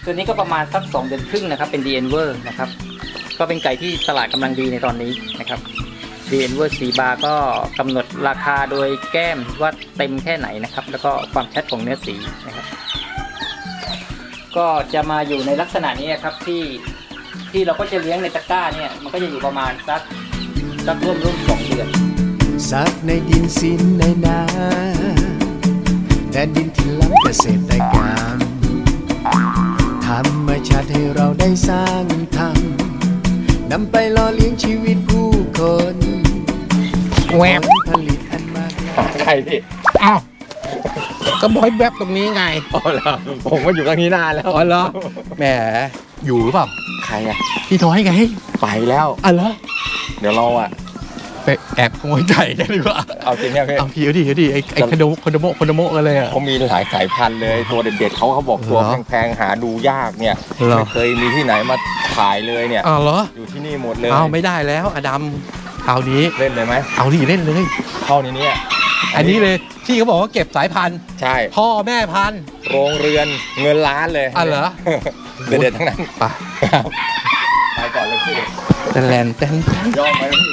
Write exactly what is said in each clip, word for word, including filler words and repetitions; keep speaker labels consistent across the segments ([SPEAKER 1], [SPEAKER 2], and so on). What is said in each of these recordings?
[SPEAKER 1] ตัวนี้ก็ประมาณสักสองเดือนครึ่งนะครับเป็น ดี เอ็น เวอร์ นะครับก็เป็นไก่ที่ตลาดกำลังดีในตอนนี้นะครับ ดี เอ็น เวอร์ สีบาร์ก็กำหนดราคาโดยแก้มว่าเต็มแค่ไหนนะครับแล้วก็ความชัดของเนื้อสีนะครับก็จะมาอยู่ในลักษณะนี้ครับที่ที่เราก็จะเลี้ยงในตะกร้าเนี่ยมันก็จะอยู่ประมาณสักสักร่วมร่วมสองเดือน
[SPEAKER 2] สักในดินสินในนาแดนดินที่ล้ำเกษตรกรรมธรรมชาติให้เราได้สร้างทำนำไปหล่อเลี้ยงชีวิตผู้คน
[SPEAKER 3] แวบ
[SPEAKER 2] ผลิตอันมากมาย
[SPEAKER 3] ใครพี่อ้าวก็บอยแวบตรงนี้ไงอ๋อเหรอผมก็อยู่ตรงนี้นานแล้วอ๋อเหรอแหมอยู่หรือเปล่าใครอะพี่ท้อยไงไปแล้วอ๋อเหรอเดี๋ยวเราอะไปแอบขโมยไก่กันดีกว่าเอาจริงเนี่ยพี่เอาพี่เอาดิเอาดิไอ้ไอ้คอนโดคอนโดโมคอนโดโมกันเลยอะเขามีหลายสายพันธุ์เลยตัวเด็ดๆเขาเขาบอกตัวแพงๆหาดูยากเนี่ยไม่เคยมีที่ไหนมาขายเลยเนี่ยอ๋อเหรออยู่ที่นี่หมดเลยเอาไม่ได้แล้วอดัมเอานี้เล่นเลยไหมเอาดิเล่นเลยเข้าในนี้อันนี้เลยที่เขาบอกว่าเก็บสายพันธุ์ใช่พ่อแม่พันธุ์โรงเรือนเงินล้านเลยอ๋อเหรอเด็ดๆทั้งนั้นไปไปก่อนเลยพี่แตนแลนแตนย่อมไปพี่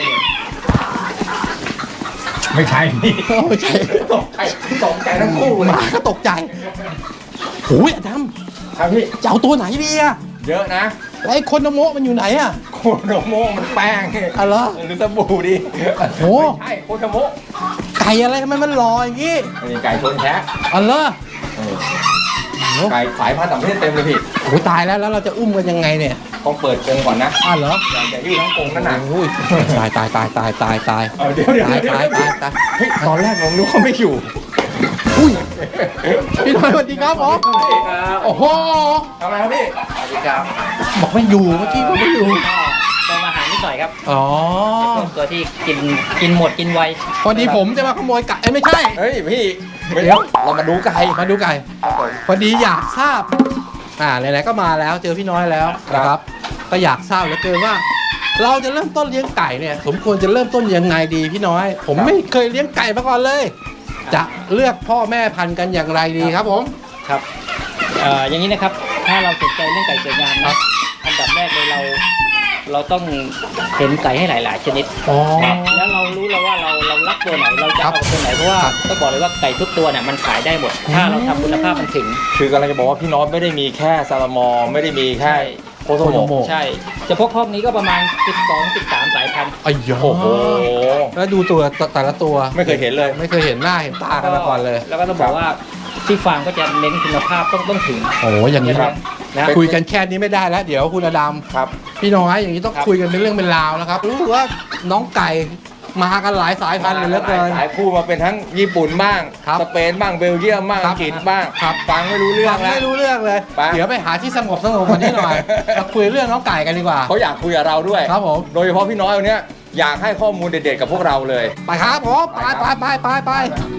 [SPEAKER 3] ไม่ใช่พี่ไม่ใช่ตกใจตกใจทั้งคู่มาก็ตกใจโอ้ยอดัมครับพี่จะเอาตัวไหนดีอะเยอะนะแล้วไอ้คนโมมันอยู่ไหนอะโคโนโมมันแป้งอะไรหรือสบู่ดิโอ้ใช่โคโนโมไก่อะไรทำไมมันลอยอย่างงี้นี่ไก่ชนแท้อะไรไก่สายพันธุ์ต่างประเทศเต็มเลยพี่โอ้ตายแล้วแล้วเราจะอุ้มกันยังไงเนี่ยต้องเปิดกรงก่อนนะอ้าวเหรออย่ายืดทั้งกรงนั่นน่ะโอ้ยตายตายตายตายตายตายเดี๋ยวเดี๋ยวตายตายตายตายเฮ้ยตอนแรกผมนึกว่าไม่อยู่อุ้ยพี่น้อยสวัสดีครับผมโอ้โหทำอะไรครับพี่สวัสดีครับบอกไม่อยู่เมื่อกี้บอกไม่อยู่
[SPEAKER 1] ก็มาหานิดหน่อยครับ
[SPEAKER 3] อ๋อ
[SPEAKER 1] ตัวที่กินกินหมดกินไว
[SPEAKER 3] พอดีผมจะมาขโมยไก่ไม่ใช่เฮ้ยพี่เดี๋ยวเรามาดูไก่มาดูไก่พอดีอยากทราบอ่าไหนๆก็มาแล้วเจอพี่น้อยแล้วนะครับก็อยากทราบเหลือเกินว่าเราจะเริ่มต้นเลี้ยงไก่เนี่ยสมควรจะเริ่มต้นยังไงดีพี่น้อยผมไม่เคยเลี้ยงไก่มาก่อนเลยจะเลือกพ่อแม่พันธุ์กันอย่างไรดีครับผม
[SPEAKER 1] ครับเอ่ออย่างนี้นะครับถ้าเราสนใจเรื่องไก่สวยงามนะอันดับแรกเลยเราเราต้องเห็นไก่ให้หลายๆชนิดแล้วเรารู้แล้วว่าเราเรารักตัวไหนเราจะเอาตัวไหนเพราะว่าต้องบอกเลยว่าไก่ทุกตัวเนี่ยมันขายได้หมดถ้าเราทำคุณภาพมันถึง
[SPEAKER 3] คือกำลังจะบอกว่าพี่น้อยไม่ได้มีแค่ซาลามอไม่ได้มีแค่โคโตโม
[SPEAKER 1] ใช่เฉพาะครอบนี้ก็ประมาณสิบสอง สิบสามสายพันธุ์
[SPEAKER 3] อ้โหแล้วดูตัวแต่ละตัวไม่เคยเห็นเลยไม่เคยเห็นหน้าเห็นตากันมาก่อนเลย
[SPEAKER 1] แล้วก็ต้องบอกว่าที่ฟาร์มก็จะเน้นคุณภาพต้องต้องถึง
[SPEAKER 3] โอ้อย่างนี้ครับคุยกันแค่นี้ไม่ได้แล้วเดี๋ยวคุณอดัมครับพี่น้อยอย่างนี้ต้องคุยกันเป็นเรื่องเป็นราวนะครับรู้ว่าน้องไก่มากันหลายสายพันธุ์เลยเหลือเกินสายคู่มาเป็นทั้งญี่ปุ่นบ้างสเปนบ้างเบลเยียมบ้างอังกฤษบ้างฟังไม่รู้เรื่องแล้วไม่รู้เรื่องเลยเดี๋ยวไปหาที่สงบสงบกว่านี้หน่อยมาคุยเรื่องน้องไก่กันดีกว่าเขาอยากคุยกับเราด้วยครับผมโดยเฉพาะพี่น้อยวันนี้อยากให้ข้อมูลเด็ดๆกับพวกเราเลยไปครับผมไปไปไปไปไป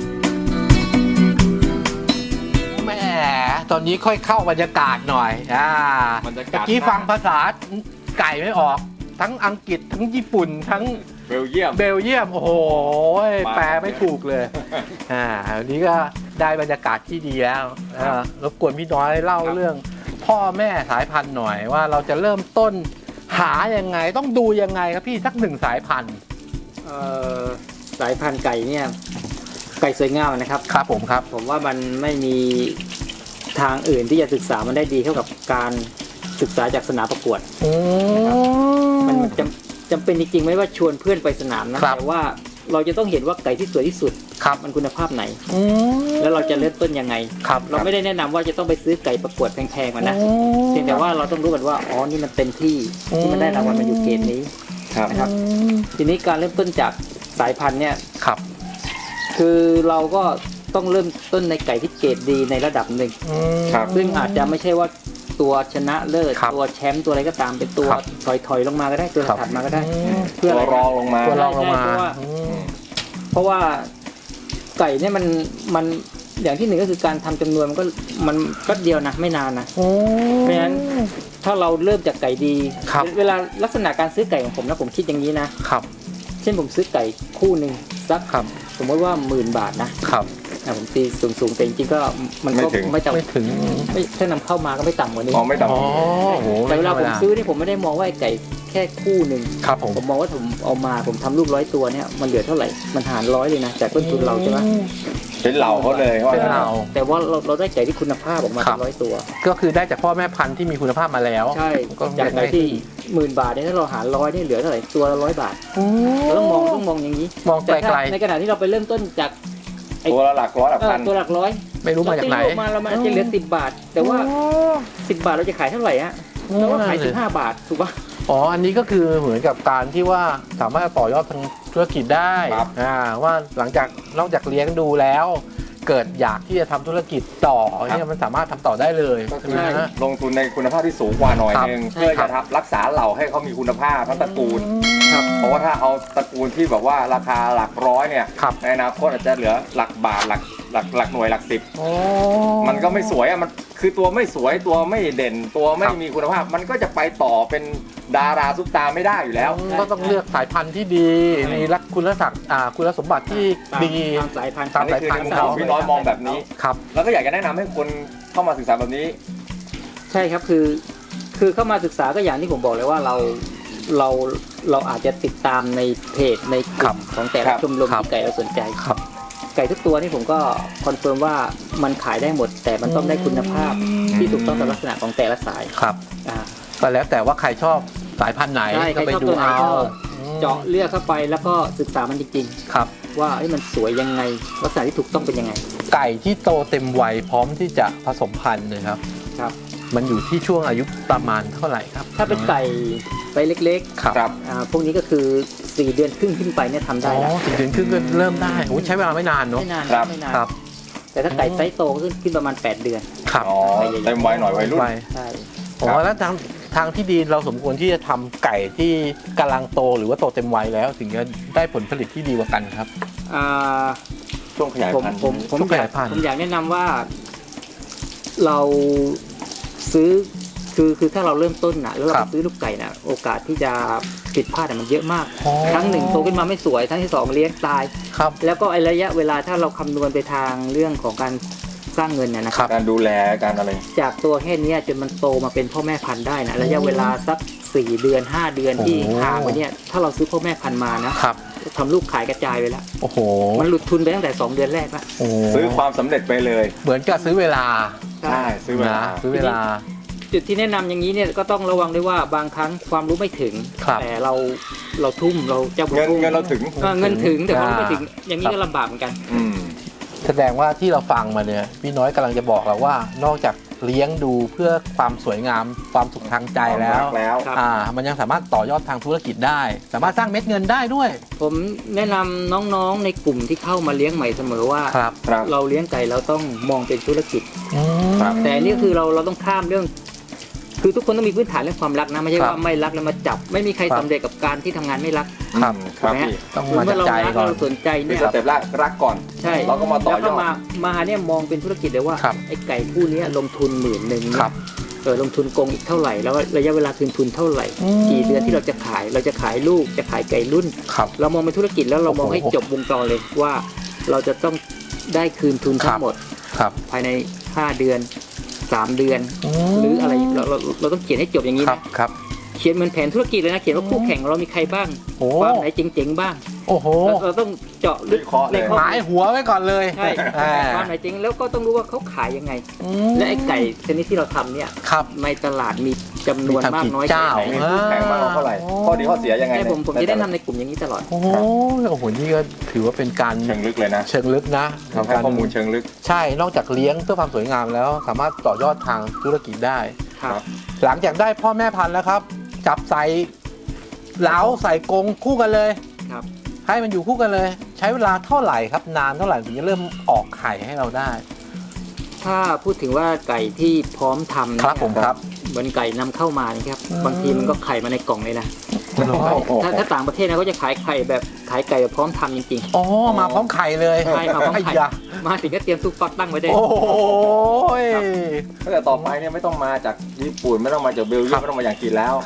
[SPEAKER 3] แม่ตอนนี้ค่อยเข้าบรรยากาศหน่อยอ่าเมื่อกี้ฟังภาษาไก่ไม่ออกทั้งอังกฤษทั้งญี่ปุ่นทั้งเบลเยียมเบลเยียมโอ้โหแปลไม่ถูกเลยอ่าวันนี้ก็ได้บรรยากาศที่ดีแล้วรบกวนพี่น้อยเล่าเรื่องพ่อแม่สายพันธุ์หน่อยว่าเราจะเริ่มต้นหายังไงต้องดูยังไงครับพี่สักหนึ่งสายพันธุ์
[SPEAKER 1] เอ่อสายพันธุ์ไก่เนี่ยไก่สวยงามนะครับ
[SPEAKER 3] ครับผมครับ
[SPEAKER 1] ผมว่ามันไม่มีทางอื่นที่จะศึกษามันได้ดีเท่ากับการศึกษาจากสนามประกวดมันจำจำเป็นจริงๆไหมว่าชวนเพื่อนไปสนามนะแต่ว่าเราจะต้องเห็นว่าไก่ที่สวยที่สุดมันคุณภาพไหนแล้วเราจะเริ่มต้นยังไงเราไม่ได้แนะนำว่าจะต้องไปซื้อไก่ประกวดแพงๆมานะเพียงแต่ว่าเราต้องรู้กันว่าอ๋อนี่มันเต็มที่ที่มันได้รางวัลมาอยู่เกณฑ์นี้นะครับทีนี้การเริ่มต้นจากสายพันธุ์เนี่ย
[SPEAKER 3] ครับ
[SPEAKER 1] คือเราก็ต้องเริ่มต้นในไก่ที่เกรดดีในระดับหนึ่งซึ่งอาจจะไม่ใช่ว่าตัวชนะเลิศตัวแชมป์ตัวอะไรก็ตามเป็นตัวถอยๆลงมาก็ได้ตัวถัดมาก็ได้
[SPEAKER 3] เพื่อรองลงมา
[SPEAKER 1] ตัวรองลงมาเพราะว่าไก่เนี่ยมันมันอย่างที่หนึ่งก็คือการทำจำนวนมันก็มันก็เดียวนะไม่นานนะเพราะฉะนั้นถ้าเราเริ่มจากไก่ดีเวลาลักษณะการซื้อไก่ของผมนะผมคิดอย่างนี้นะเช่นผมซื้อไก่คู่หนึ่งสักสมมติว่าหมื่นบาทนะครับอ่ะผมตีสูงๆแต่จริงๆก็มันก็
[SPEAKER 4] ไม่ถึง
[SPEAKER 1] ไม่ต่ำ
[SPEAKER 3] ไม่ถึง
[SPEAKER 1] ไม่ถ้านำเข้ามาก็ไม่ต่ำกว่านี้
[SPEAKER 4] มองไม่ต่ำ
[SPEAKER 3] อ๋อโอ้โห
[SPEAKER 1] แต่เวลาผม
[SPEAKER 3] ไธรรด
[SPEAKER 1] ซื้อนี่ผมไม่ได้มองว่าไอ้ไก่แค่คู่หนึ่ง
[SPEAKER 3] ครับผม
[SPEAKER 1] ผมมองว่าผมเอามาผมทำลูกร้อยตัวเนี่ยมันเหลือเท่าไหร่มันหารร้อยเลยนะจากต้นทุนเราใช่ไหม
[SPEAKER 4] เป็นเหล่าเขาเลยว่า
[SPEAKER 3] เป็นเหล่า
[SPEAKER 1] แต่ว่าเราเราได้ไก่ที่คุณภาพออกมา
[SPEAKER 3] ครั
[SPEAKER 1] เป็
[SPEAKER 3] บ
[SPEAKER 1] นร้อยตัว
[SPEAKER 3] ก็คือได้จากพ่อแม่พันธุ์ที่มีคุณภาพมาแล้ว
[SPEAKER 1] ใช่
[SPEAKER 3] ก็
[SPEAKER 1] จากไก่
[SPEAKER 3] ได้
[SPEAKER 1] ที่หมื่นบาทเนี่ยถ้าเราหารร้อยนี่เหลือเท่าไหร่ตัวละร้อยบาทเราต้องมองต้องมองอย่างนี้
[SPEAKER 3] มองไก
[SPEAKER 1] แต่ถ้า
[SPEAKER 3] ล
[SPEAKER 1] ในขณะที่เราไปเริ่มต้นจาก
[SPEAKER 4] ตัวละหลักร้อยหลัก
[SPEAKER 1] เอ่อ
[SPEAKER 4] พัน
[SPEAKER 1] ตัวหลักร้อย
[SPEAKER 3] ๆไม่รู้มาจากไหน
[SPEAKER 1] เรตีลูมาเรามันอาจจะเหลือสิบบาท แต่ว่าสิบบาทเราจะขายเท่าไหร่ฮะเราก็ขายสิบห้าบาทถูกปะ
[SPEAKER 3] อ๋อ อันนี้ก็คือเหมือนกับการที่ว่าสามารถต่อยอดทางธุรกิจได้
[SPEAKER 4] ครับ
[SPEAKER 3] อ่าว่าหลังจากนอกจากเลี้ยงดูแล้ว เกิดอยากที่จะทำธุรกิจต่อเนี่ยมันสามารถทำต่อได้เลย
[SPEAKER 4] ก็
[SPEAKER 3] ใช่
[SPEAKER 4] คือ
[SPEAKER 3] ไหมฮะ
[SPEAKER 4] ลงทุนในคุณภาพที่สูงกว่าหน่อย
[SPEAKER 3] ครับ
[SPEAKER 4] นึง
[SPEAKER 1] ใช่
[SPEAKER 4] เพื่อ
[SPEAKER 1] ครั
[SPEAKER 4] จะ
[SPEAKER 1] บ
[SPEAKER 4] ทับรักษาเหล่าให้เขามีคุณภาพทั้งตระกูล
[SPEAKER 1] ครับ
[SPEAKER 4] เพราะว่าถ้าเอาตระกูลที่แบบว่าราคาหลักร้อยเนี่ย
[SPEAKER 3] ครับ
[SPEAKER 4] ในอนาคตอาจจะเหลือหลักบาทหลักหลักหลักหน่วยหลักสิบ
[SPEAKER 3] โอ้
[SPEAKER 4] มันก็ไม่สวยอ่ะมันคือตัวไม่สวยตัวไม่เด่น ตัวไม่
[SPEAKER 3] ครับ
[SPEAKER 4] มีคุณภาพ มันก็จะไปต่อเป็นดาราซุปตาไม่ได้อยู่แล้ว
[SPEAKER 3] ก็ต้องเลือกสายพันธุ์ที่ดี มีลักคุณลักษณะอ่าคุณสมบัติที่
[SPEAKER 1] ตาม
[SPEAKER 3] ดี
[SPEAKER 1] ตามสายพันธุ์
[SPEAKER 3] ตาม
[SPEAKER 4] นี่คือในมุมของพี่น้อยมองแบบนี้
[SPEAKER 3] ครับ
[SPEAKER 4] แล้วก็อยากจะแนะนำให้คนเข้ามาศึกษาแบบนี้
[SPEAKER 1] ใช่ครับคือคือเข้ามาศึกษาก็อย่างที่ผมบอกเลยว่าเราเราเราอาจจะติดตามในเพจในก
[SPEAKER 3] ครั
[SPEAKER 1] ลุ่
[SPEAKER 3] บ
[SPEAKER 1] มของแต่
[SPEAKER 4] ครั
[SPEAKER 1] ละ
[SPEAKER 4] บ
[SPEAKER 1] ชมรม
[SPEAKER 3] ครับ
[SPEAKER 1] ที่ไก่เราสนใจ
[SPEAKER 3] ครับ
[SPEAKER 1] ไก่ทุกตัวนี่ผมก็คอนเฟิร์มว่ามันขายได้หมด แต่มันต้องได้คุณภาพที่ถูกต้องตามลักษณะของแต่ละสาย
[SPEAKER 3] ครับ
[SPEAKER 1] อ่า
[SPEAKER 3] ก็แล้วแต่ว่าใครชอบสายพันธุ์ไหน
[SPEAKER 1] ใช่
[SPEAKER 3] ก็ไป
[SPEAKER 1] ใครชอบ
[SPEAKER 3] ดู
[SPEAKER 1] ตัวไหน
[SPEAKER 3] เอา
[SPEAKER 1] ก็ เจาะเลือกเข้าไปแล้วก็ศึกษามันจริง
[SPEAKER 3] ครับ
[SPEAKER 1] ๆ ว่าเอ้ยมันสวยยังไงลักษณะที่ถูกต้องเป็นยังไง
[SPEAKER 3] ไก่ที่โตเต็มวัยพร้อมที่จะผสมพันธุ์นะครับ
[SPEAKER 1] ครับ
[SPEAKER 3] มันอยู่ที่ช่วงอายุประมาณเท่าไหร่ครับ
[SPEAKER 1] ถ้าเป็นไก่ไซส์เล็ก
[SPEAKER 3] ครับ
[SPEAKER 4] ครับ
[SPEAKER 1] ๆอ่าพวกนี้ก็คือสี่เดือนครึ่งขึ้นไปเนี่ยทำ
[SPEAKER 3] อ๋
[SPEAKER 1] ได้
[SPEAKER 3] อ
[SPEAKER 1] แล้ว
[SPEAKER 3] สี่เดือนครึ่งก็เริ่มได้โอ้ใช้เวลาไม่นานเนาะ
[SPEAKER 1] ไม่นาน
[SPEAKER 4] ครับ
[SPEAKER 1] ไม่นาน
[SPEAKER 3] ครับ
[SPEAKER 1] แต่ถ้าไก่ไซส์โตก็ขึ้นขึ้นประมาณแปดเดือน
[SPEAKER 3] ครับ
[SPEAKER 4] อ๋อเต็มวัยหน่อยวัยรุ่น
[SPEAKER 3] ไป
[SPEAKER 1] ใช่
[SPEAKER 3] ผมว่าแล้วทางทางที่ดีเราสมควรที่จะทำไก่ที่กำลังโตหรือว่าโตเต็มวัยแล้วถึงจะได้ผลผลิตที่ดีกว่ากันครับ
[SPEAKER 1] อ่า
[SPEAKER 4] ช่วงขยาย
[SPEAKER 1] ผม
[SPEAKER 4] พันธุ์
[SPEAKER 1] ผมผม
[SPEAKER 3] ช่วงข
[SPEAKER 1] อยาย
[SPEAKER 3] าก ยพันธุ์
[SPEAKER 1] ผมอยากแนะนำว่า เราซื้อคือคือถ้าเราเริ่มต้นนะแล้วเรา
[SPEAKER 3] ครับ
[SPEAKER 1] ซื้อลูกไก่นะโอกาสที่จะผิดพลาดอะมันเยอะมาก
[SPEAKER 3] อ๋อ
[SPEAKER 1] ครั้งหนึ่งโตขึ้นมาไม่สวยครั้งที่สองเลี้ยงตาย
[SPEAKER 3] ครับ
[SPEAKER 1] แล้วก็ไอระยะเวลาถ้าเราคำนวณไปทางเรื่องของการสร้างเงินนะนะค
[SPEAKER 3] ครั
[SPEAKER 1] รับ
[SPEAKER 3] บ
[SPEAKER 4] การดูแลการอะไร
[SPEAKER 1] จากตัวแค่เนี้ยจนมันโตมาเป็นพ่อแม่พันธุ์ได้นะระยะเวลาสักสี่เดือนห้าเดือนที่
[SPEAKER 3] โอ้
[SPEAKER 1] ห่างไปเนี่ยถ้าเราซื้อพ่อแม่พันธุ์มานะครับ ทำลูกขายกระจายไปแล้ว
[SPEAKER 3] โอ้โห
[SPEAKER 1] มันหลุดทุนไปตั้งแต่สองเดือนแรกละ
[SPEAKER 3] โอ้
[SPEAKER 4] ซื้อความสำเร็จไปเลย
[SPEAKER 3] เหมือนกับซื้อเวลา
[SPEAKER 4] ใช่ซื้อเวลา
[SPEAKER 3] นะซื้อเวลา
[SPEAKER 1] จุดที่แนะนำอย่างนี้เนี่ยก็ต้องระวังด้วยว่าบางครั้งความรู้ไม่ถึง
[SPEAKER 3] ครับ
[SPEAKER 1] แต่เราเราทุ่มเราเจ้าบุญ
[SPEAKER 4] เงินเงินเราถึง
[SPEAKER 1] เออเงินถึงแต่ความรู้ไม่
[SPEAKER 3] อ่า
[SPEAKER 1] ถึง อย่างนี้ก็ลำบากเหมือนกัน
[SPEAKER 4] อืม
[SPEAKER 3] แสดงว่าที่เราฟังมาเนี่ยพี่น้อยกำลังจะบอกเราว่านอกจากเลี้ยงดูเพื่อความสวยงามความสุขทางใจแล้ว
[SPEAKER 4] ความรักแล้ว
[SPEAKER 1] ครับ
[SPEAKER 3] อ่ามันยังสามารถต่อยอดทางธุรกิจได้ สามารถสร้างเม็ดเงินได้ด้วย
[SPEAKER 1] ผมแนะนำน้องๆในกลุ่มที่เข้ามาเลี้ยงใหม่เสมอว่า
[SPEAKER 3] ครับ
[SPEAKER 4] ครับ
[SPEAKER 1] เราเลี้ยงไก่เราต้องมองเป็นธุรกิจ
[SPEAKER 4] ครับ
[SPEAKER 1] แต่อันนี่คือเราเราต้องข้ามเรื่อง คือทุกคนต้องมีพื้นฐานเรื่องความรักนะไม่ใช่
[SPEAKER 3] ครับ
[SPEAKER 1] ว่าไม่รักแล้วมาจับ ไม่มีใคร
[SPEAKER 3] ครับ
[SPEAKER 1] สำเร็จกับการที่ทำงานไม่รัก
[SPEAKER 3] ครับ
[SPEAKER 4] อืมครับ
[SPEAKER 1] ถูกไหม
[SPEAKER 4] พี่
[SPEAKER 3] ต้อง
[SPEAKER 1] คือ
[SPEAKER 3] มา
[SPEAKER 1] เมื่
[SPEAKER 3] จาก
[SPEAKER 1] อเรา
[SPEAKER 3] ใจ
[SPEAKER 1] รัก
[SPEAKER 3] ก่อน
[SPEAKER 1] เราสนใจ
[SPEAKER 4] คือ
[SPEAKER 1] เนี่ย
[SPEAKER 4] สเต็ปแรกรักก่อน
[SPEAKER 1] ใช่
[SPEAKER 4] เราก็มาต่อยอด
[SPEAKER 1] แล้วก็มามาเนี่ยมองเป็นธุรกิจเลยว่า
[SPEAKER 3] ครับ
[SPEAKER 1] ไอ้ไก่คู่เนี้ยลงทุนหมื่นหนึ่ง
[SPEAKER 3] ค
[SPEAKER 1] เนี่
[SPEAKER 3] รั
[SPEAKER 1] ย
[SPEAKER 3] บ
[SPEAKER 1] เออลงทุนกงอีกเท่าไหร่แล้วระยะเวลาคืนทุนเท่าไหร่
[SPEAKER 3] อืม
[SPEAKER 1] กี่เดือนที่เราจะขายเราจะขายลูกจะขายไก่รุ่น
[SPEAKER 3] ครับ
[SPEAKER 1] เรามองเป็นธุรกิจแล้วเรามองให้
[SPEAKER 3] โอ้โห
[SPEAKER 1] จบวงจรเลยว่าเราจะต้องได้คืนทุนทั้
[SPEAKER 3] ครั
[SPEAKER 1] ง
[SPEAKER 3] บ
[SPEAKER 1] หมด
[SPEAKER 3] ครับ
[SPEAKER 1] ภายในห้าเดือนสามเดือน หรืออะไรเราเราเราต้องเขียนให้จบอย่างนี้
[SPEAKER 3] ครับ
[SPEAKER 1] นะครับ เขียนเหมือนแผนธุรกิจเลยนะเขียนว่าคู่แข่งของเรามีใครบ้าง
[SPEAKER 3] โอ้
[SPEAKER 1] ความไหนเจ๋งๆบ้าง
[SPEAKER 3] โอ้โห
[SPEAKER 1] เราเราต้องเจาะลึก
[SPEAKER 4] วิเคราะห์เลย
[SPEAKER 1] ในข้อ
[SPEAKER 3] หมายหัวไว้ก่อนเลย
[SPEAKER 1] ใช่
[SPEAKER 3] อ่า
[SPEAKER 1] ความไหนเจ๋งแล้วก็ต้องรู้ว่าเขาขายยังไง
[SPEAKER 3] อืม
[SPEAKER 1] และไอ้ไก่ชนิดที่เราทำเนี่ย
[SPEAKER 3] ครับ
[SPEAKER 1] ในตลาดมีจำนวนมากน้อย
[SPEAKER 3] มีทำกี่เจ้า
[SPEAKER 1] แค่ไหน
[SPEAKER 4] มีคู่แข่งมากกว่าเท่าไหร่ ข้อดีข้อเสียยังไง
[SPEAKER 1] ใช่ผมผม
[SPEAKER 4] ใน
[SPEAKER 1] จะได้
[SPEAKER 4] แต่ล
[SPEAKER 1] นำในกลุ่มอย่างนี้ตลอด
[SPEAKER 3] โอ้โหโอ้โหนี่ก็ถือว่าเป็นการ
[SPEAKER 4] เชิงลึกเลยนะ
[SPEAKER 3] เชิงลึกนะ
[SPEAKER 4] ทำให้ข้อมูลเชิงลึก
[SPEAKER 3] ใช่ นอกจากเลี้ยงเพื่อความสวยงามแล้ว สามารถต่อยอดทางธุรกิจได้
[SPEAKER 1] ครับ
[SPEAKER 3] หลังจากได้พ่อแม่พันธุ์แล้วครับ จับใส่เหลาใส่กรงคู่กันเลย
[SPEAKER 1] ครับ
[SPEAKER 3] ให้มันอยู่คู่กันเลย ใช้เวลาเท่าไหร่ครับ นานเท่าไหร่ถึงจะเริ่มออกไข่ให้เราได้
[SPEAKER 1] ถ้าพูดถึงว่าไก่ที่พร้อมทำเนี่ย
[SPEAKER 3] ครับผมครับ
[SPEAKER 1] เหมือนไก่นำเข้ามานี่ครับ
[SPEAKER 3] อืม
[SPEAKER 1] บางทีมันก็ไข่มาในกล่องเลยนะ
[SPEAKER 4] โอ้โห
[SPEAKER 1] ถ้าถ้าต่างประเทศนะเขาจะขายไข่แบบขายไก่แบบพร้อมทำจริง
[SPEAKER 3] อ๋อมาพร้อมไข่เลย
[SPEAKER 1] ใช่มาพร้อมไข่
[SPEAKER 3] ยะ
[SPEAKER 1] ๆ มาถึงก็เตรียมซุปฟักตั้งไว้ได้
[SPEAKER 3] โอ้ย
[SPEAKER 4] ถ้าเกิดต่อไปเนี่ยไม่ต้องมาจากญี่ปุ่นไม่ต้องมาจากเบลเยีย
[SPEAKER 3] ครั
[SPEAKER 4] ม
[SPEAKER 3] บ
[SPEAKER 4] ไม่ต้องมาอย่างจีนแล้ว
[SPEAKER 3] ครับ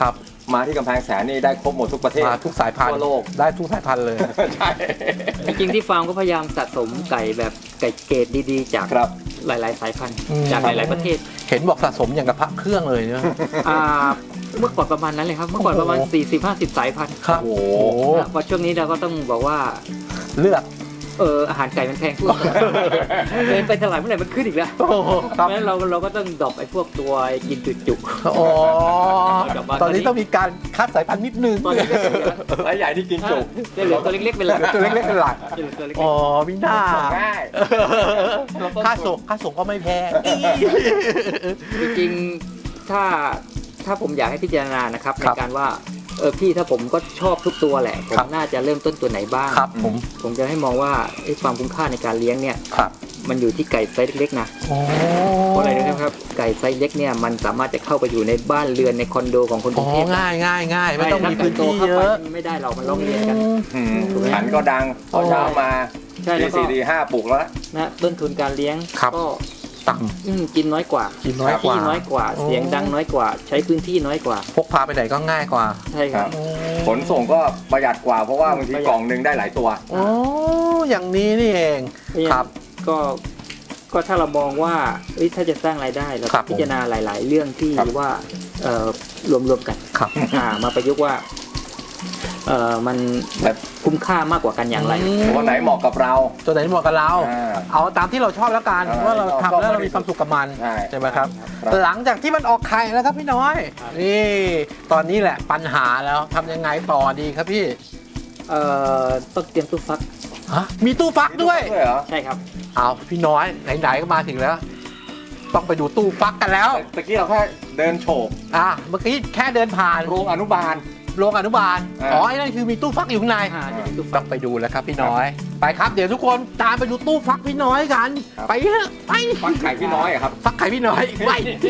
[SPEAKER 4] มาที่กำแพงแสนนี่ได้ครบหมดทุกประเทศ
[SPEAKER 3] มาทุกสายพันธุ์
[SPEAKER 4] ทั่วโลก
[SPEAKER 3] ได้ทุกสายพันธุ์เลย
[SPEAKER 4] ใช่
[SPEAKER 1] จริงๆที่ฟาร์มก็พยายามสะสมไก่แบบไก่เกรดดีๆ จาก
[SPEAKER 4] ครับ
[SPEAKER 1] หลายๆ สายพันธุ์
[SPEAKER 3] อืม
[SPEAKER 1] จากหลายๆประเทศ
[SPEAKER 3] เห็นบอกสะสมอย่างกับพระเครื่องเลยเนี่ย
[SPEAKER 1] อ่าเมื่อก่อนประมาณนั้นเลยครับ เมื่อก่อนประมาณ สี่สิบห้าสิบ สายพันธุ์
[SPEAKER 3] ครับ
[SPEAKER 4] โอ้
[SPEAKER 3] โอ้
[SPEAKER 4] โห
[SPEAKER 3] โห
[SPEAKER 1] พอช่วงนี้เราก็ต้องบอกว่า
[SPEAKER 3] เลือก
[SPEAKER 1] เอออาหารไก่มันแพงขึ้นเดินไปตลาดเมื่อไหร่มันขึ้นอีกแล้ว
[SPEAKER 3] โอ้โหครับ
[SPEAKER 1] เพราะฉะนั้นเราเราก็ต้องดรอปไอ้พวกตัวกินจุก
[SPEAKER 3] อ๋อ
[SPEAKER 1] กลับมา
[SPEAKER 3] ตอนนี้ต้องมีการคัดสายพันธุ์นิดนึง
[SPEAKER 1] ๆตอนนี้ก็เหลือ
[SPEAKER 4] สายใหญ่ที่กินจุก
[SPEAKER 1] จะเหลือตัวเล็กๆเป็นหลัก
[SPEAKER 3] ตัวเล็กๆเป็นหลัก
[SPEAKER 1] จะเหลือตัวเล็ก
[SPEAKER 3] อ๋อมิน่า
[SPEAKER 4] ง่าย
[SPEAKER 3] ค่าส่งค่าส่งก็ไม่แพง
[SPEAKER 1] ๆจริงๆถ้าถ้าผมอยากให้พิจารณานะครับใน
[SPEAKER 3] ครับ
[SPEAKER 1] การว่าเออพี่ถ้าผมก็ชอบทุกตัวแหละผม
[SPEAKER 3] ครับ
[SPEAKER 1] น่าจะเริ่มต้นตัวไหนบ้าง
[SPEAKER 3] ครับผม
[SPEAKER 1] ผมจะให้มองว่าไอ้ความคุ้มค่าในการเลี้ยงเนี่ย
[SPEAKER 3] ครับ
[SPEAKER 1] มันอยู่ที่ไก่ไซส์เล็กๆนะ
[SPEAKER 3] โอ้
[SPEAKER 1] เพราะอะไรนะครับไก่ไซส์เล็กเนี่ยมันสามารถจะเข้าไปอยู่ในบ้านเรือนในคอนโดของคนก
[SPEAKER 3] อ๋
[SPEAKER 1] รุ
[SPEAKER 3] อง
[SPEAKER 1] เทพ
[SPEAKER 3] ง่ายง่ายง่ายไม่ต้องมีพื้นที่
[SPEAKER 1] ถ้าไก่โตเข้า
[SPEAKER 3] เย
[SPEAKER 1] ไป
[SPEAKER 3] อะ
[SPEAKER 1] ไม่ได้หรอกมันร้องเรียนกัน
[SPEAKER 4] อืมขันก็ดังพอเช้ามา
[SPEAKER 1] ใช่
[SPEAKER 4] ตี
[SPEAKER 1] แล้วก็
[SPEAKER 4] สี่ตีห้าปลุกแล้ว
[SPEAKER 1] นะต้นทุนการเลี้ยง
[SPEAKER 3] ครับ
[SPEAKER 1] ก็
[SPEAKER 3] ต่
[SPEAKER 1] อืมกินน้อยกว่า
[SPEAKER 3] ำกินน้อยกว่า
[SPEAKER 1] ที่น้อยกว่า
[SPEAKER 3] โอ้
[SPEAKER 1] เสียงดังน้อยกว่า ใช้พื้นที่น้อยกว่า
[SPEAKER 3] พกพาไปไหนก็ง่ายกว่า
[SPEAKER 1] ใช่ครับ
[SPEAKER 4] ขนส่งก็ประหยัดกว่าเพราะว่าบางที
[SPEAKER 1] ประหยัด
[SPEAKER 4] กล่องหนึ่งได้หลายตัว
[SPEAKER 3] โอ้อย่างนี้นี่เอง ครับ
[SPEAKER 1] ก็ก็ถ้าเรามองว่าเอ้ยถ้าจะสร้างรายได้เรา
[SPEAKER 3] ครับผม
[SPEAKER 1] พิจารณาหลาย ๆ เรื่องที่
[SPEAKER 4] ครับ
[SPEAKER 1] ว่าเอ่อรวมๆกัน
[SPEAKER 3] ครับ
[SPEAKER 1] อ่ามาประยุกต์ว่าเอ่อมันแบบคุ้มค่ามากกว่ากันอย่างไร
[SPEAKER 4] ตัวไหนเหมาะกับเรา
[SPEAKER 3] ตัวไหนเหมาะกับเรา
[SPEAKER 4] อ่า
[SPEAKER 3] เอาตามที่เราชอบแล้วกัน
[SPEAKER 4] อ่า
[SPEAKER 3] ว่าเราทำแล้ว
[SPEAKER 4] ชอบ
[SPEAKER 3] เรามีความสุขกับมัน
[SPEAKER 4] ใช่
[SPEAKER 3] ใช่ไหมครับ
[SPEAKER 4] ครับ
[SPEAKER 3] หลังจากที่มันออกไข่แล้วครับพี่น้อย
[SPEAKER 1] ครับ
[SPEAKER 3] นี่ตอนนี้แหละปัญหาแล้วทำยังไงต่อดีครับพี่
[SPEAKER 1] เอ่อต้องเตรียมตู้ฟัก
[SPEAKER 3] ฮะมีตู้ฟักด้วย
[SPEAKER 4] ด้วยเหรอ
[SPEAKER 1] ใช่ครับ
[SPEAKER 3] เอาพี่น้อยไหนๆก็มาถึงแล้ว ต้องไปดูตู้ฟักกันแล้ว
[SPEAKER 4] ตะกี้เราแค่เดินโฉบ
[SPEAKER 3] อ่ะเมื่อกี้แค่เดินผ่าน
[SPEAKER 4] โรงอนุบาล
[SPEAKER 3] โรงอนุบาล
[SPEAKER 4] อ่า
[SPEAKER 3] อ๋อไอ้นั่นคือมีตู้ฟักอยู่ข้างใน
[SPEAKER 1] อ่าจะมีตู้ฟั
[SPEAKER 3] ต้อก งไปดูแล้วครับพี่น้อย ไปครับเดี๋ยวทุกคนตามไปดูตู้ฟักพี่น้อยกัน ไปเถอะไป
[SPEAKER 4] ฟักไข่พี่น้อยอะครับ
[SPEAKER 3] ฟักไข่พี่น้อยไป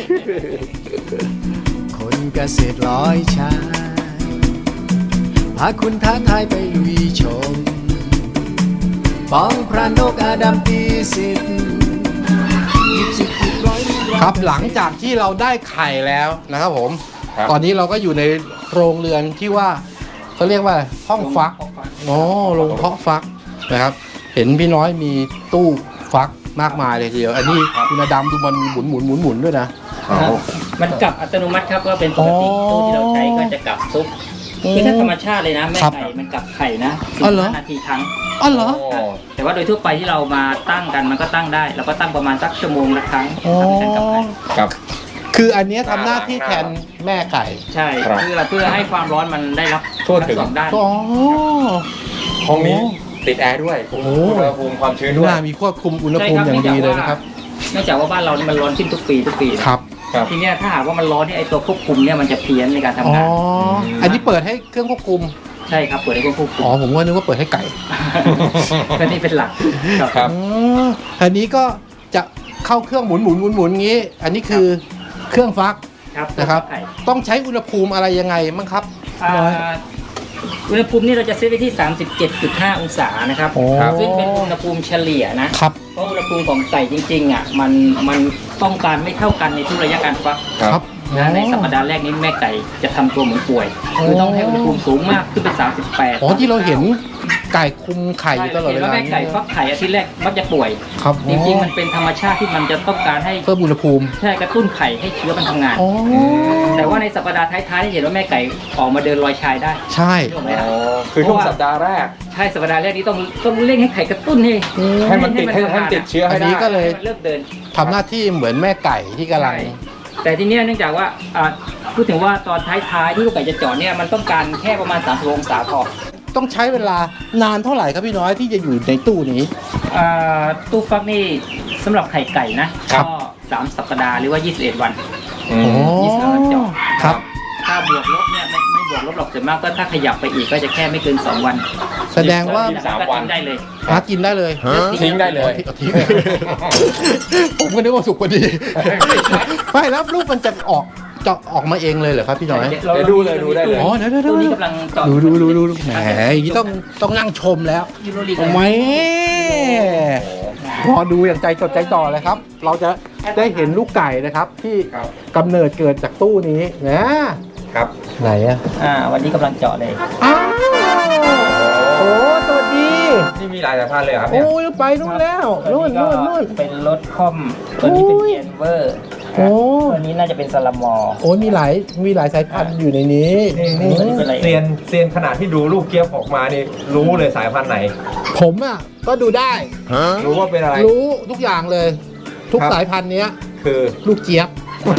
[SPEAKER 2] คนเกษตรร้อยชายพาคุณท้าทายไปลุยชมป้องพระนกอาดัมปีสิทธิ์หยิบสิบหยิบร้อยหยิร้อย
[SPEAKER 3] ครับหลังจากที่เราได้ไข่แล้วนะครับผม
[SPEAKER 4] ครับ
[SPEAKER 3] ตอนนี้เราก็อยู่ในโรงเรือนที่ว่าเขาเรียกว่าห้องฟักอ๋อโรงเพาะฟักนะครับ เห็นพี่น้อยมีตู้ฟักมากมายเลยทีเดียว อันนี้คุณอดำดูมันมีหมุนหมุนหมุนหมุนด้วยนะ
[SPEAKER 1] มันกลับอัตโนมัติครับก็เป็นปกติ
[SPEAKER 3] อ๋อ
[SPEAKER 1] ตู้ที่เราใช้ก็จะกลับซุปคือถ้าธรรมชาติเลยนะแม่
[SPEAKER 3] ครับ
[SPEAKER 1] ไก่มันกลับไข่นะ
[SPEAKER 3] อ๋อเหรอ
[SPEAKER 1] สิบห้านาทีครั้ง
[SPEAKER 3] อ๋อเหรอ
[SPEAKER 4] โอ้
[SPEAKER 1] แต่ว่าโดยทั่วไปที่เรามาตั้งกันมันก็ตั้งได้เราก็ตั้งประมาณสักชั่วโมงละครั้ง
[SPEAKER 3] อ๋อ
[SPEAKER 1] ทำให้กันกลับไข่
[SPEAKER 4] ครับ
[SPEAKER 3] คืออันเนี้ยทำหน้าที่แทนแม่ไก่
[SPEAKER 1] ใช่
[SPEAKER 4] ครับ
[SPEAKER 1] เพื่อเพื่อให้ความร้อนมันได้รับ
[SPEAKER 4] ทั่วถึง
[SPEAKER 1] ทั้สองด้าน
[SPEAKER 3] อ๋อ
[SPEAKER 4] ห้องนี้ติดแอร์ด้วย
[SPEAKER 3] โอ้โห
[SPEAKER 4] อุณหภูมิความชื้นด้วย
[SPEAKER 3] น่ามีควบคุมอุณหภูมิอย่างดีเลยนะครับ
[SPEAKER 1] เนื่องจากว่าบ้านเรานี่มันร้อนขึ้นทุกปีทุกปีนะครับ
[SPEAKER 4] ครับ
[SPEAKER 1] ทีเนี้ยถ้าหากว่ามันร้อนเนี่ยไอตัวควบคุมเนี่ยมันจะเพี้ยนในการทำ
[SPEAKER 3] อ๋อ
[SPEAKER 1] งาน
[SPEAKER 3] อันนี้เปิดให้เครื่องควบคุม
[SPEAKER 1] ใช่ครับเปิดให้ควบคุม
[SPEAKER 3] อ๋อ ผมว่านึกว่าเปิดให้ไก่
[SPEAKER 1] ก็นี่เป็นหลักครับ
[SPEAKER 4] ครับ
[SPEAKER 3] อ๋ออันนี้ก็จะเข้าเครื่องหมุนหมุนหมุนหมุนงี้ อันนี้คือเครื่องฟัก
[SPEAKER 1] ครับ
[SPEAKER 3] นะครับ
[SPEAKER 1] ไข่
[SPEAKER 3] ต้องใช้อุณหภูมิอะไรยังไงมั้งครับ
[SPEAKER 1] อ่าอุณหภูมินี่เราจะเซตไว้ที่ สามสิบเจ็ดจุดห้า องศานะครับ
[SPEAKER 3] โอ้
[SPEAKER 1] ซึ่งเป็นอุณหภูมิเฉลี่ยนะ
[SPEAKER 3] ครับ
[SPEAKER 1] เพราะอุณหภูมิของไก่จริงๆอ่ะมันมันต้องการไม่เท่ากันในทุกระยะการฟัก
[SPEAKER 3] ครับ
[SPEAKER 1] นะในสัปดาห์แรกนี้แม่ไก่จะทำตัวเหมือนป่วย
[SPEAKER 3] โอ้
[SPEAKER 1] คือต้องให้อุณหภูมิสูงมากขึ้นเป็นสามสิบแปด
[SPEAKER 3] อ๋อที่เราเห็นไก่คุมไข่อยู่ตลอดเว
[SPEAKER 1] ใช่
[SPEAKER 3] ลา
[SPEAKER 1] แม่ไก่ฟักไข่อาทิตย์แรกมักจะป่วย
[SPEAKER 3] ครับ
[SPEAKER 1] จริงๆมันเป็นธรรมชาติที่มันจะต้องการให้
[SPEAKER 3] เพิ่มอุณหภูมิ
[SPEAKER 1] ใช่กระตุ้นไข่ให้เชื้อมันทำงาน
[SPEAKER 3] อ๋อ
[SPEAKER 1] แต่ว่าในสัปดาห์ท้ายๆที่เห็นว่าแม่ไก่ออกมาเดินลอยชายได้
[SPEAKER 3] ใช่
[SPEAKER 1] ถูกไหมครับ
[SPEAKER 4] คือช่วงสัปดาห์แรก
[SPEAKER 1] ใช่สัปดาห์แรกนี้ต้องต้องเร่งให้ไข่กระตุ้นให้
[SPEAKER 4] ให้มันติดให้ให้มันติดเชื้อ
[SPEAKER 3] อั
[SPEAKER 4] ให้
[SPEAKER 3] น
[SPEAKER 4] ได้
[SPEAKER 3] นี้ก็เลย
[SPEAKER 1] ให้มันเลิกเดิน
[SPEAKER 3] ทำหน้าที่เหมือนแม่ไก่ที่กำลัง
[SPEAKER 1] ใช่แต่ทีเนี้ยเนื่องจากว่าอ่าพูดถึงว่าตอนท้ายๆที่ลูกไก่จะเจาะเนี่ยมันต้องการแค่ประมาณสามสิบองศาพอ
[SPEAKER 3] ต้องใช้เวลานานเท่าไหร่ครับพี่น้อยที่จะอยู่ในตู้นี้
[SPEAKER 1] อ่าตู้ฟักนี่สำหรับไข่ไก่นะครับ ก็สามสัปดาห์หรือว่ายี่สิบเอ็ดวัน
[SPEAKER 4] อืม
[SPEAKER 1] ยี่สิบวันเจาะ
[SPEAKER 3] ครับ
[SPEAKER 1] ถ้าบวกลบเนี่ยไม่ไม่บวกลบหรอกส่วนมากก็ถ้าขยับไปอีกก็จะแค่ไม่เกินสองวัน
[SPEAKER 3] แสดงว่า
[SPEAKER 4] สามวัน
[SPEAKER 1] ก็ทิ้งได้เลย
[SPEAKER 3] หากินได้เลย
[SPEAKER 4] ทิ้งได้เลย
[SPEAKER 3] อาทิ้งผมก็นึกว่าสุกพอดีไม่แล้วลูกมันจะออกจะออกมาเองเลยเหรอครับพี่น้อย
[SPEAKER 4] เดี๋ยวดูเลยดูได้เลย
[SPEAKER 3] อ๋อเดี๋ยวเดี๋ยวเดี๋ยว
[SPEAKER 1] ตู้นี้กำลังเจาะ
[SPEAKER 3] ดูดูดูดูดูแหมอย่างนี้ต้องต้องนั่งชมแล้ว
[SPEAKER 1] ยูโรลีก
[SPEAKER 3] ทำไมรอดูอย่างใจจดใจจ่อเลยครับ เราจะได้เห็นลูกไก่นะครับ ที่
[SPEAKER 4] ครับ
[SPEAKER 3] กำเนิดเกิดจากตู้นี้นะ
[SPEAKER 4] ครับ
[SPEAKER 3] ไหนอ่ะ
[SPEAKER 1] อ่าวันนี้กำลังเจาะเลย
[SPEAKER 3] อ้าวโอ้สวัสดี
[SPEAKER 4] นี่มีหลายสายพันธุ์เลยเหรอครับเนี่ย
[SPEAKER 3] โอ้ยไปนู่นแล้วนู่นนู่นนู่น
[SPEAKER 1] เป็นรถคอมตัวนี้เป็น
[SPEAKER 3] โอ้ย
[SPEAKER 1] เทียนเวอร์
[SPEAKER 3] โอ้
[SPEAKER 1] ตัวนี้น่าจะเป็นซาลามอร์
[SPEAKER 3] โอ้ยมีหลายมีหลายสายพันธุ์อยู่ในนี้นี่นี่
[SPEAKER 1] ตัวนี้เป็นอะไร
[SPEAKER 4] เซียนเซียนขนาดที่ดูลูกเกี๊ยวออกมานี่รู้เลยสายพันธุ์ไหน
[SPEAKER 3] ผมอ่ะก็ดูได้
[SPEAKER 4] รู้ว่าเป็นอะไร
[SPEAKER 3] รู้ทุกอย่างเลย ทุก
[SPEAKER 4] ครับ
[SPEAKER 3] สายพันธุ์เนี้ย
[SPEAKER 4] คือ
[SPEAKER 3] ลูกเจี๊ยบ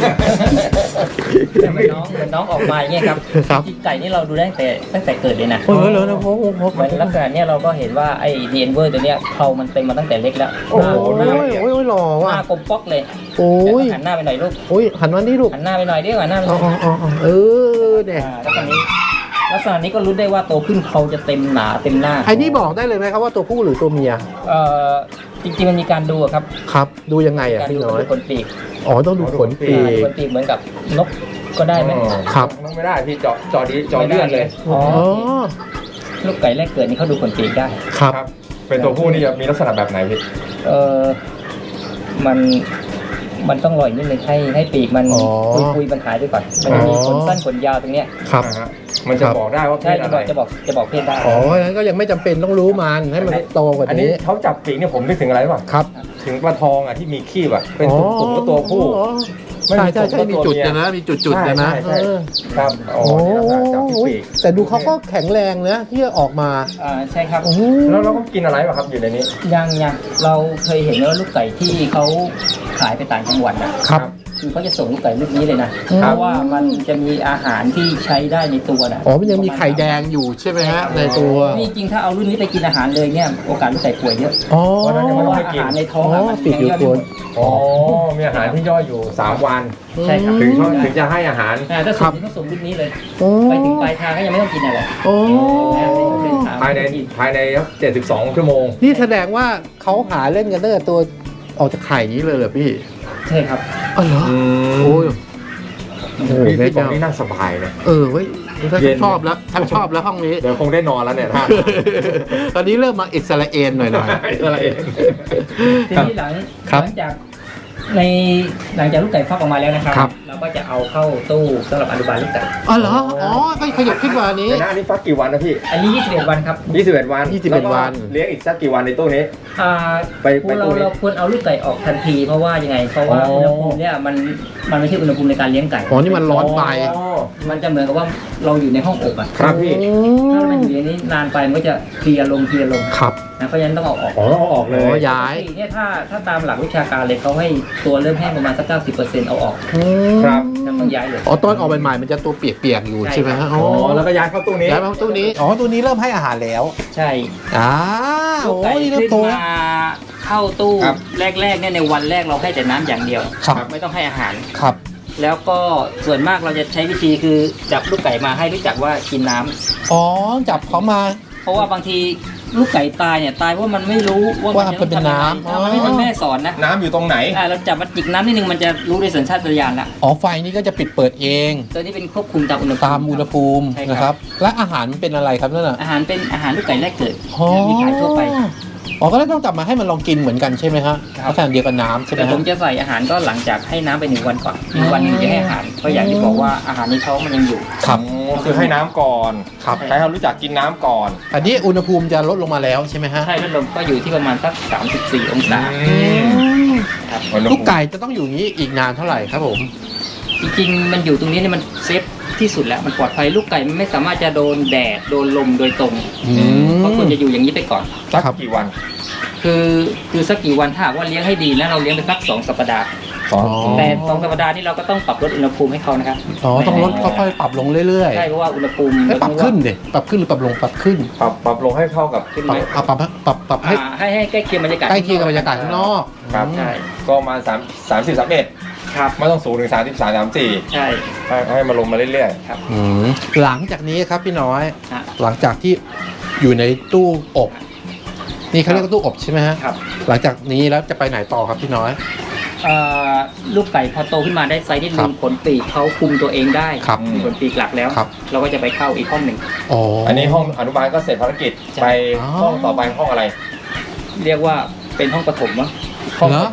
[SPEAKER 1] เหมือนน้องเหมือนน้องออกมาอย่างเงี้ยครับ
[SPEAKER 3] ครับ
[SPEAKER 1] จริงๆไก่นี่เราดูได้ตั้งแต่ตั้งแต่เกิดเลยนะ
[SPEAKER 3] โอ้ยเลยนะผมผมผม
[SPEAKER 1] เหมือนลักษณะเนี้ยเราก็เห็นว่าไอ้ดีเอ็นเวอร์ตัวเนี้ยเขามันเต็มมาตั้งแต่เล็กแล้ว
[SPEAKER 3] โอ้
[SPEAKER 1] หน้าหน้า
[SPEAKER 3] ยโอ้ยโอ้ยหล่อ
[SPEAKER 1] ห
[SPEAKER 3] ว่ะ
[SPEAKER 1] น้ากลมป๊อกเลย
[SPEAKER 3] โอ้ย
[SPEAKER 1] หันหน้าไปหน่อยลูก
[SPEAKER 3] โอ้ยหันมานี่ลูก
[SPEAKER 1] หันหน้าไปหน่อยดิหันหน้าไปห
[SPEAKER 3] อ๋
[SPEAKER 1] น่
[SPEAKER 3] อ
[SPEAKER 1] อย
[SPEAKER 3] อ๋ออ๋อเออเนี่ย
[SPEAKER 1] อ่าลักษณะนี้ลักษณะนี้ก็รู้ได้ว่าโตขึ้นเขาจะเต็มหนาเต็มหน้า
[SPEAKER 3] ไอ้นี่บอกได้เลยไหมครับว่าตัวผู้หรือตัวเมีย
[SPEAKER 1] เอ่อจริงๆมันมีการดูอะครับ
[SPEAKER 3] ครับ ดูยังไงอ่ะ
[SPEAKER 1] การ
[SPEAKER 3] พี่
[SPEAKER 1] ดู
[SPEAKER 3] น้อย
[SPEAKER 1] ขนปีก
[SPEAKER 3] อ๋อต้องดูขนปี
[SPEAKER 1] อ่าข
[SPEAKER 3] ก
[SPEAKER 1] นปีกเหมือนกับนกก็ได้ไหม
[SPEAKER 3] ครับ
[SPEAKER 4] ต้องไม่ได้พี่เจาะเจาะดีเจาะเลือดเลย
[SPEAKER 1] อ๋อ
[SPEAKER 3] อ๋อ
[SPEAKER 1] ลูกไก่แรกเกิดนี่เขาดูขนปีกได้
[SPEAKER 3] ครับ
[SPEAKER 4] ครับ เป็นตัวผู้นี่จะมีลักษณะแบบไหนพี่
[SPEAKER 1] เออมันมันต้องลอยนิดนึงให้ให้ปีกมัน
[SPEAKER 3] อ๋อ
[SPEAKER 1] คุยคุยมันหายไปก่อนมันจะมีขนสั้นขนยาวตรงเนี้ย
[SPEAKER 3] ครับ
[SPEAKER 4] อ่าฮะมันจะ
[SPEAKER 3] ครับ
[SPEAKER 4] บอกได้ว่าเพ
[SPEAKER 1] ใช่
[SPEAKER 4] ศ
[SPEAKER 1] จะ
[SPEAKER 4] อะ
[SPEAKER 1] บ
[SPEAKER 4] ไร
[SPEAKER 1] อกจะบอกจะบอกเพศได้
[SPEAKER 3] อ๋องั้นก็ยังไม่จำเป็นต้องรู้มันให้มันโตกว่า
[SPEAKER 4] อันนี้
[SPEAKER 3] นี้
[SPEAKER 4] เขาจับปีกเนี่ยผมนึกถึงอะไรป่ะ
[SPEAKER 3] ครับ
[SPEAKER 4] ถึงปลาทองอ่ะที่มีขี้อ่ะเป็นตุ่มๆก็ตัวผู้
[SPEAKER 3] อ๋อ
[SPEAKER 4] ไม่
[SPEAKER 3] ใช่
[SPEAKER 4] มี
[SPEAKER 3] ใช่ใช่
[SPEAKER 4] ตัว
[SPEAKER 3] มี
[SPEAKER 4] ตัว
[SPEAKER 3] จุด
[SPEAKER 4] เมีย
[SPEAKER 3] นะนะมีจุดจุดๆนะนะ
[SPEAKER 4] ใช่ใช่
[SPEAKER 3] เออ
[SPEAKER 4] ครับอ๋อ
[SPEAKER 3] โอ้
[SPEAKER 4] นี่ลักษณะจับที่ปีก
[SPEAKER 3] แต่ดูเขาก็แข็งแรงนะที่จะออกมา
[SPEAKER 1] อ่าใช่ครับ
[SPEAKER 3] โอ้โห
[SPEAKER 4] แล้วเราก็กินอะไรป่ะครับอยู่ในนี้
[SPEAKER 1] ยังยังเราเคยเห็นว่าลูกไก่ที่เขาขายไปต่างจังหวัดนะครับ คือเขาจะส่งลูกไก่ลูกนี้เลยนะ
[SPEAKER 3] อืม
[SPEAKER 1] เพราะว่ามันจะมีอาหารที่ใช้ได้ในตัวนะ
[SPEAKER 3] อ๋อมันยังมีไข่แดงอยู่ใช่ไหมฮะในตัว
[SPEAKER 1] นี่จริงถ้าเอารุ่นนี้ไปกินอาหารเลยเนี่ยโอกาสลูกไก่ป่วยเยอะ
[SPEAKER 3] อ๋อ
[SPEAKER 4] เพราะฉะนั้นยัง
[SPEAKER 1] เพ
[SPEAKER 4] ไม่
[SPEAKER 1] ราะ
[SPEAKER 4] ต้
[SPEAKER 1] ว่า
[SPEAKER 4] ให้
[SPEAKER 1] อา
[SPEAKER 4] กิน
[SPEAKER 1] หารในท้อง
[SPEAKER 3] อ๋อ
[SPEAKER 1] อะมัน
[SPEAKER 3] ติดอยู่
[SPEAKER 1] ง
[SPEAKER 3] ตัว
[SPEAKER 4] อ๋อมีอาหารที่ย่อยอยู่สามวัน
[SPEAKER 1] ใช่ครับ
[SPEAKER 4] ถึงเขาถึงจะให้อาหาร
[SPEAKER 1] อ่าถ้าส่งนี่ก็ส่งรุ่นนี้เลย
[SPEAKER 3] โอ้
[SPEAKER 1] ไปถึงปลายทางก็ยังไม่ต้องกินอะไร
[SPEAKER 3] โอ้
[SPEAKER 4] ภายในภายในเจ็ดสิบสองชั่วโมง
[SPEAKER 3] นี่แสดงว่าเขาหาเล่นกันตั้งแต่ตัวออกจากไข่นี้เลยเหรอพี่
[SPEAKER 1] ใช่ครับ
[SPEAKER 3] อ๋อเหรอโอ้ยโอ้โห
[SPEAKER 4] พี่
[SPEAKER 3] แม่
[SPEAKER 4] พี่บอก
[SPEAKER 3] เจ้า
[SPEAKER 4] นี่น่าสบายนะ
[SPEAKER 3] เออเว้ยถ้า
[SPEAKER 4] เย็น
[SPEAKER 3] ชอบแล้วถ้าชอบแล้วห้องนี้
[SPEAKER 4] เดี๋ยวคงได้นอนแล้วเนี่ยท่าน
[SPEAKER 3] ตอนนี้เริ่มมาอิสราเอลหน่อยหน่อย
[SPEAKER 4] อะไรเอง
[SPEAKER 1] ทีนี้หลัง
[SPEAKER 3] ครับ
[SPEAKER 1] หลังจากในหลังจากลูกไก่ฟักออกมาแล้วนะครับ
[SPEAKER 3] ครับ
[SPEAKER 1] เราก็จะเอาเข้าตู้สำหรับอนุบาลลูกไก่
[SPEAKER 3] อ๋อเหรออ๋อก็ขยับขึ้นกว่านี้
[SPEAKER 4] เดี๋ยวนะอันนี้ฟักกี่วันนะพี่
[SPEAKER 1] อันนี้ยี่สิบเอ็ดวันครับ
[SPEAKER 4] ยี่สิบเอ็ดวัน
[SPEAKER 3] ยี่สิบเอ็ด
[SPEAKER 4] แล้ก็
[SPEAKER 3] วัน
[SPEAKER 4] เลี้ยงอีกสักกี่วันในตู้นี้
[SPEAKER 1] อ่า
[SPEAKER 4] ไป
[SPEAKER 1] พว
[SPEAKER 4] ไป
[SPEAKER 1] กเรา
[SPEAKER 4] ตู้นี้
[SPEAKER 1] เราควรเอาลูกไก่ออกทันทีเพราะว่ายังไง เพราะว่า
[SPEAKER 4] อ๋อ
[SPEAKER 1] อุณหภูมิเนี่ยมันมันไม่ใช่อุณหภูมิในการเลี้ยงไก่
[SPEAKER 3] อ๋อนี่มันร้อนไป
[SPEAKER 4] อ๋อ
[SPEAKER 1] มันจะเหมือนกับว่าเราอยู่ในห้องอบอ่ะ
[SPEAKER 4] ครับพี่
[SPEAKER 1] ถ้ามันอยู่ในนี้นานไปมันก็จะเพลียลงเพลียลง
[SPEAKER 3] ครับ
[SPEAKER 1] นะเพราะฉะนั้นต้องเอาออก
[SPEAKER 4] อ๋อต้องเอาออกเล
[SPEAKER 3] อ๋อย ย้าย
[SPEAKER 1] ปกติเนี่ยถ้าถ้าตามหลักวิชาการเลยเขาให้ตัวเริ่มแห้งประมาณสักเก้าสิบเปอร์เซ็นต์เอาออก
[SPEAKER 4] ครับ
[SPEAKER 1] แล้วต้องย้ายเลย
[SPEAKER 3] อ๋อตอนออกใหม่ๆมันจะตัวเปียกๆอยู่
[SPEAKER 1] ใช่
[SPEAKER 3] ใช่ไหมฮะ
[SPEAKER 4] อ๋อแล้วก็ย้ายเข้าตู้นี้
[SPEAKER 3] ย้ายมาตู้นี้ อ๋อตู้นี้เริ่มให้อาหารแล้ว
[SPEAKER 1] ใช่
[SPEAKER 3] อ้า
[SPEAKER 1] ลู
[SPEAKER 3] โอ้
[SPEAKER 1] กไก่
[SPEAKER 3] ยเริ่ม
[SPEAKER 1] ขึ้น
[SPEAKER 3] โต
[SPEAKER 1] มาเข้าตู้
[SPEAKER 4] ครับ
[SPEAKER 1] แรกๆเนี่ยในวันแรกเราให้แต่น้ำอย่างเดียว
[SPEAKER 3] ครับ
[SPEAKER 1] ไม่ต้องให้อาหาร
[SPEAKER 3] ครับ
[SPEAKER 1] แล้วก็ส่วนมากเราจะใช้วิธีคือจับลูกไก่มาให้รู้จักว่ากินน้ำ
[SPEAKER 3] อ๋อจับเขามา
[SPEAKER 1] เพราะว่าบางทีลูกไก่ตายเนี่ยตายเพราะมันไม่รู้ว่า
[SPEAKER 3] ว่า
[SPEAKER 1] มันจะ
[SPEAKER 3] เป็น
[SPEAKER 1] ต้องทำยังไง
[SPEAKER 3] น้ำ
[SPEAKER 1] ถ้ามันไม่
[SPEAKER 3] อ๋อ
[SPEAKER 1] มันแม่สอนนะ
[SPEAKER 4] น้ำอยู่ตรงไหน
[SPEAKER 1] อ่าเราจับมาจิกน้ำนิดนึงมันจะรู้โดยสัญชาตญาณละ
[SPEAKER 3] อ๋อไฟนี่ก็จะปิดเปิดเอง
[SPEAKER 1] ตัวนี้เป็นควบคุมตามอุณหภูมิ
[SPEAKER 3] ตามอุณหภูมิ
[SPEAKER 1] ใช่
[SPEAKER 3] นะ
[SPEAKER 1] ค
[SPEAKER 3] ค
[SPEAKER 1] รั
[SPEAKER 3] รับ บ และอาหารมันเป็นอะไรครับนั่นน่ะ
[SPEAKER 1] อาหารเป็นอาหารลูกไก่แรกเกิด
[SPEAKER 3] อ๋อ
[SPEAKER 1] มีขายทั่วไป
[SPEAKER 3] อ๋อก็ต้องจับมาให้มันลองกินเหมือนกันใช่ไหมฮะ
[SPEAKER 1] ครับ
[SPEAKER 3] ลักษณะเดียวกับน้ำใช่ไหม
[SPEAKER 1] แต่ผ
[SPEAKER 3] ฮะ
[SPEAKER 1] มจะใส่อาหารก็หลังจากให้น้ำไปหนึ่งวันก่อนหนึ่งวันหนึงจะให้อาหารเพราะอย่างที่บอกว่าอาหารในท้องมันยังอยู่
[SPEAKER 3] ครับ
[SPEAKER 4] อ๋อคือให้น้ำก่อน
[SPEAKER 3] ครับ
[SPEAKER 4] ให้เขารู้จักกินน้ำก่อน
[SPEAKER 3] อันนี้อุณหภูมิจะลดลงมาแล้วใช่ไหมฮะ
[SPEAKER 1] ใช่พัดลมก็อยู่ที่ประมาณสักสามสิบสี่องศา ครับ
[SPEAKER 3] ลูกไก่จะต้องอยู่อย่างนี้อีกนานเท่าไหร่ครับผม
[SPEAKER 1] จริงๆมันอยู่ตรงนี้เนี่ยมันเซฟที่สุดแล้วมันปลอดภัยลูกไก่มันไม่สามารถจะโดนแดดโดนลมโดยตรง
[SPEAKER 3] อืม
[SPEAKER 1] เขาควรจะอยู่อย่างนี้ไปก่อน
[SPEAKER 4] สัก
[SPEAKER 3] ครับ
[SPEAKER 4] กี่วัน
[SPEAKER 1] คือคือสักกี่วันถ้าหากว่าเลี้ยงให้ดีแล้วเราเลี้ยงไปสักสองสัปดาห์
[SPEAKER 4] สอง
[SPEAKER 3] อ๋อ
[SPEAKER 1] แต่สองสัปดาห์นี้เราก็ต้องปรับลดอุณหภูมิให้เขานะครับ
[SPEAKER 3] อ๋อต้องลดค่อยๆปรับลงเรื่อย
[SPEAKER 1] ใช่เพราะว่าอุณหภูมิ
[SPEAKER 3] ๆให้ปรับขึ้นดิปรับขึ้นหรือปรับลงปรับขึ้น
[SPEAKER 4] ปรับปรับลงให้เข้ากับ
[SPEAKER 1] ขึ้น
[SPEAKER 3] ป
[SPEAKER 1] ไห
[SPEAKER 3] รั
[SPEAKER 1] ม
[SPEAKER 3] บอ่ะปรับปรับปรับให้
[SPEAKER 1] อ่าให้ให้ใกล้เคียงบรรยากาศ
[SPEAKER 3] ใกล้เคียงกับบรรยากาศข้างนอก
[SPEAKER 4] ครับ
[SPEAKER 1] ใช่
[SPEAKER 4] ก็ประมาณสามสามสิบสามเอ็ด
[SPEAKER 1] ครับ
[SPEAKER 4] ไม่ต้องสูงถึงสามสิบสามสามสี่
[SPEAKER 1] ใช่
[SPEAKER 4] ให้ให้มาลงมาเรื่อย
[SPEAKER 1] ครับ
[SPEAKER 3] อืมหลังจากนี้ครับพี่น้อย
[SPEAKER 1] ฮะ
[SPEAKER 3] หลังจากที่อยู่ในตู้อบ นี่เขาเรียกว่าตู้อบใช่ไหมฮะ
[SPEAKER 1] ครับ
[SPEAKER 3] หลังจากนี้แล้วจะไปไหนต่อครับพี่น้อย
[SPEAKER 1] เอ่อลูกไก่พอโตขึ้นมาได้ไซส์นิด
[SPEAKER 3] ครั
[SPEAKER 1] นึ
[SPEAKER 3] บ
[SPEAKER 1] งขนปีกเขาคุมตัวเองได้
[SPEAKER 3] ครับ
[SPEAKER 1] มีขนปีกหลักแล้ว
[SPEAKER 3] ครับ
[SPEAKER 1] เราก็จะไปเข้าอีกห้องหนึ่ง
[SPEAKER 3] อ๋อ
[SPEAKER 4] ๆ
[SPEAKER 3] อั
[SPEAKER 4] อันนี้ห้องอนุบาลก็เสร็จภารกิจ
[SPEAKER 1] ใช่
[SPEAKER 4] ไป
[SPEAKER 3] อ๋อ
[SPEAKER 4] ห้องต่อไปห้องอะไร
[SPEAKER 1] เรียกว่าเป็นห้องปฐมวะ
[SPEAKER 4] ห้อง
[SPEAKER 3] เหร
[SPEAKER 4] ป
[SPEAKER 3] อ
[SPEAKER 4] ฐม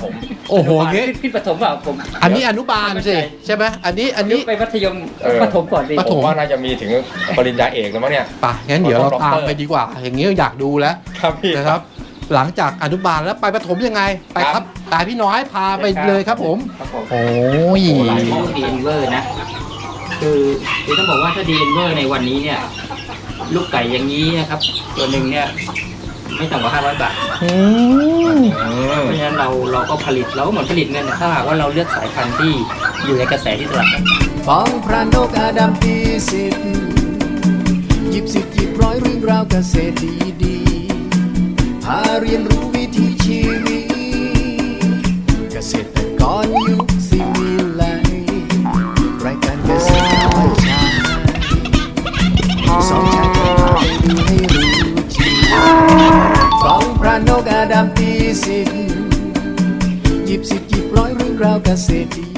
[SPEAKER 3] โอ้โห
[SPEAKER 1] นุบาล
[SPEAKER 3] งี้
[SPEAKER 1] ขึ้นขึ้นประถมเปล่าผม
[SPEAKER 3] อันนี้อนุบาลสิใช่ไหมอันนี้อันนี้
[SPEAKER 1] ไปมัธยม
[SPEAKER 4] เออ
[SPEAKER 1] ประถมก่อนดิ
[SPEAKER 3] ประ
[SPEAKER 4] ผ
[SPEAKER 3] ถ
[SPEAKER 4] มว่าน่าจะมีถึงปริญญาเอกแล้วมั้งเนี่ย
[SPEAKER 3] ป่ะงั้นเดี๋ยวเรา
[SPEAKER 4] ด็อกเตอร์
[SPEAKER 3] ตามไปดีกว่า อย่างนี้อยากดูแล้ว
[SPEAKER 4] ครับพี่
[SPEAKER 3] นะครับ หลังจากอนุบาลแล้วไปประถมยังไงไปครับตายพี่น้อยพาไปเลยครับผม
[SPEAKER 1] ครับผม
[SPEAKER 3] โอ้ย
[SPEAKER 1] โอ้หลายห้องดีเอ็นเวอร์นะ คือคือต้องบอกว่าถ้าดีเอ็นเวอร์ในวันนี้เนี่ย ลูกไก่อย่างนี้นะครับ ตัวหนึ่งเนี่ย ไม่ต่ำกว่าห้าร้อยบาท
[SPEAKER 3] อืม
[SPEAKER 1] เพราะฉะนั้นเราเราก็ผลิตเราก็เหมือนผลิตเงินนะถ้าหากว่าเราเลือกสายพันธุ์ที่อยู่ในกระแสที่ตลาด
[SPEAKER 2] ฟ้องพระนกอาดัมตีสิทธิ์หยิบสิทธิ์หยิบร้อยเรื่องราวเกษตรดีๆพาเรียนรู้วิถีชีวิตเกษตรกรยุคสิวิไลรายการเกษตรน้อยชายสองชายจะพาไปดูให้รู้จริงฟ้องพระนกอาดัมตีสิทธิ์หยิบสิทธิ์หยิบร้อยเรื่องราวเกษตรดี